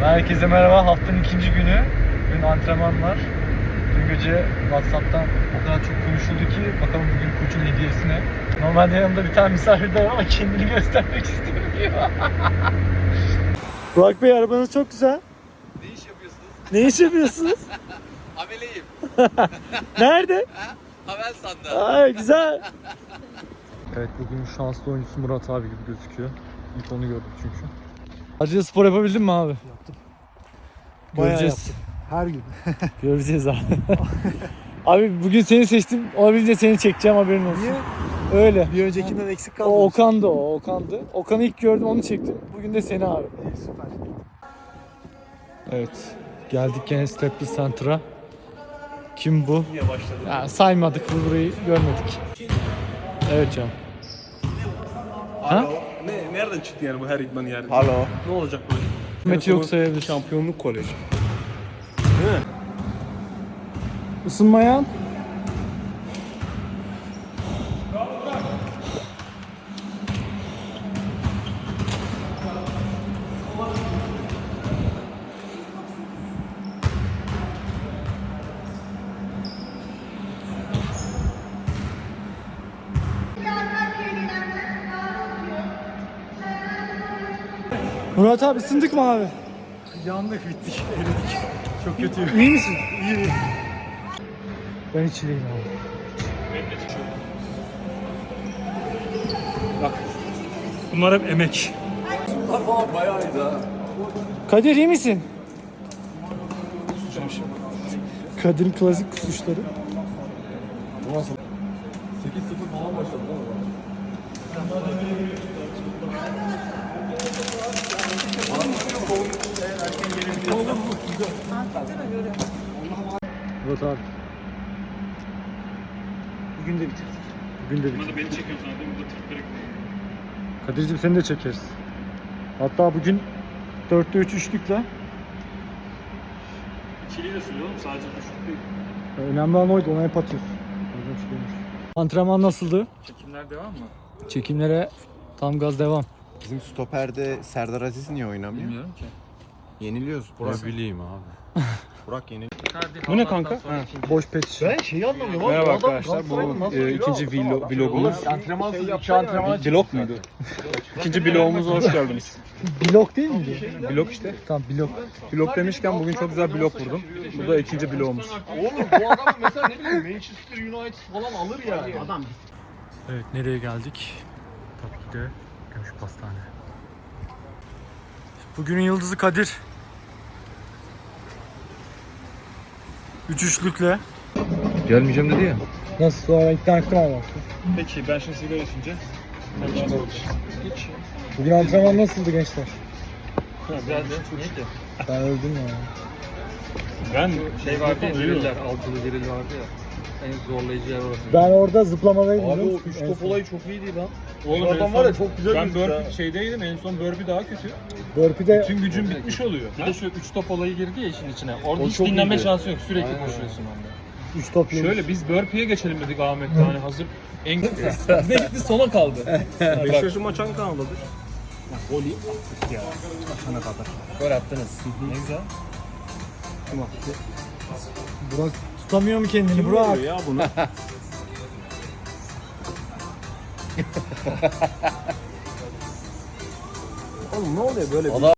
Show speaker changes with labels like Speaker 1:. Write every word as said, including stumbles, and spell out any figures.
Speaker 1: Herkese merhaba. Haftanın ikinci günü. Bugün antrenman var. Dün gece WhatsApp'tan o kadar çok konuşuldu ki bakalım bugün koçun hediyesine. Normalde yanımda bir tane misafir de var ama kendini göstermek istemiyor. Burak Bey, arabanız çok güzel.
Speaker 2: Ne iş yapıyorsunuz?
Speaker 1: Ne iş yapıyorsunuz?
Speaker 2: Ameleyim.
Speaker 1: Nerede?
Speaker 2: Havel sandı.
Speaker 1: Ay güzel. Evet, bugün şanslı oyuncusu Murat abi gibi gözüküyor. İlk onu gördük çünkü. Acıda spor yapabildin mi abi?
Speaker 3: Yaptım.
Speaker 1: Göreceğiz.
Speaker 3: Her gün.
Speaker 1: Göreceğiz abi. Abi bugün seni seçtim. Olabildiğince seni çekeceğim, haberin olsun.
Speaker 3: Niye?
Speaker 1: Öyle.
Speaker 3: Bir öncekinden eksik kaldı.
Speaker 1: O Okan'dı o, Okan'dı. Okan'ı ilk gördüm, onu çektim. Bugün de seni abi.
Speaker 3: İyi, süper.
Speaker 1: Evet. Geldik gene Staples Center'a. Kim bu?
Speaker 3: Niye başladı?
Speaker 1: Ya, saymadık, bu burayı görmedik. Evet canım. Ha?
Speaker 4: Ne, nereden çıktı yani bu her idman yani?
Speaker 3: Alo.
Speaker 4: Ne olacak böyle?
Speaker 1: Hükümeti yok sayabilir.
Speaker 4: Şampiyonluk koleji.
Speaker 1: Isınmaya. Murat abi, ısındık mı abi?
Speaker 3: Yandık, bittik, eridik. Çok kötü.
Speaker 1: İyi misin?
Speaker 3: İyi.
Speaker 1: Ben hiç iyiyim abi.
Speaker 4: Bunlar hep emek.
Speaker 2: Bunlar falan bayağı iyiydi ha.
Speaker 1: Kadir, iyi misin? Kadir'in klasik kusuşları.
Speaker 2: sekiz sıfır falan başladı değil mi?
Speaker 1: Murat abi.
Speaker 3: Bugün de bitirdik.
Speaker 1: Bugün de bitti.
Speaker 4: Beni çekiyorsun değil mi? Burada tripleri
Speaker 1: Kadir'cim, seni de çekeriz. Hatta bugün dörtte üç üçlükle.
Speaker 4: İkiliyi de söylüyorum sadece düşük değil.
Speaker 1: Önemli olan oydu, ona hep atıyorsun. Özüm şey demiş. Antrenman nasıldı?
Speaker 4: Çekimler devam mı?
Speaker 1: Çekimlere tam gaz devam.
Speaker 5: Bizim stoperde Serdar Aziz niye oynamıyor?
Speaker 4: Bilmiyorum ki.
Speaker 5: Yeniliyoruz. Burak. Ne bileyim abi. Burak yeniliyor.
Speaker 4: Bu ne kanka? Ha.
Speaker 1: Boş pet.
Speaker 3: Ben şeyi anlamıyorum abi.
Speaker 4: Merhaba
Speaker 3: bu adam
Speaker 4: arkadaşlar. Bu
Speaker 3: Galatasaray'ın nasıl
Speaker 4: e,
Speaker 3: oynuyor?
Speaker 4: ikinci vlog,
Speaker 3: Tamam,
Speaker 4: vlogumuz.
Speaker 3: Antrenman iki antrenman.
Speaker 4: Vlog muydu? İkinci vlogumuza hoş geldiniz.
Speaker 1: Blok değil miydi?
Speaker 4: Vlog işte.
Speaker 1: Tamam, blok.
Speaker 4: Vlog demişken bugün çok güzel vlog vurdum. Bu da ikinci vlogumuz.
Speaker 3: Oğlum bu adam mesela ne bileyim Manchester United falan alır ya. Adam
Speaker 1: Evet, nereye geldik? Tabii ki de Gümüş Pastane. Bugünün yıldızı Kadir. Üç üçlükle.
Speaker 5: Gelmeyeceğim dedi ya.
Speaker 1: Nasıl, sonra ikna ettim ama.
Speaker 4: Peki ben şimdi sigara içince.
Speaker 1: Bugün antrenman nasıldı gençler?
Speaker 4: Güzeldi. Neydi?
Speaker 1: Ben öldüm ya.
Speaker 4: Ben
Speaker 6: Şey vardı ya, diriller, altılı diril vardı ya. En zorlayıcı yer orası.
Speaker 1: Ben orada zıplamadaydım.
Speaker 3: Abi
Speaker 1: biliyor
Speaker 3: o
Speaker 1: musun?
Speaker 3: üç
Speaker 1: En
Speaker 3: top
Speaker 1: son.
Speaker 3: olayı çok iyiydi lan.
Speaker 4: Oğlum
Speaker 3: Bu
Speaker 4: en
Speaker 3: adam
Speaker 4: son-
Speaker 3: var ya çok güzel
Speaker 4: Ben
Speaker 3: gözüktü
Speaker 4: burpee
Speaker 3: ha.
Speaker 4: şeydeydim, en son burpee daha kötü.
Speaker 1: Burpee'de
Speaker 4: Tüm gücüm bitmiş oluyor.
Speaker 6: Bir de şu üç top olayı girdi ya işin içine. Orada
Speaker 3: O
Speaker 6: hiç
Speaker 3: çok
Speaker 6: dinlenme
Speaker 3: iyiydi.
Speaker 6: şansı yok. Sürekli koşuyorsun onda.
Speaker 1: üç top yemiş.
Speaker 4: Şöyle biz burpee'ye geçelim dedik Ahmet'le, hani hazır en
Speaker 6: Ne gitti sona kaldı.
Speaker 4: Beşiktaş'ın maçan kanaldadır.
Speaker 3: Golü attık ya. Başana kadar.
Speaker 6: Gol attınız. Ne güzel.
Speaker 1: Burak tutamıyor mu kendini Burak?
Speaker 4: ya bunu?
Speaker 3: Oğlum ne oluyor böyle bir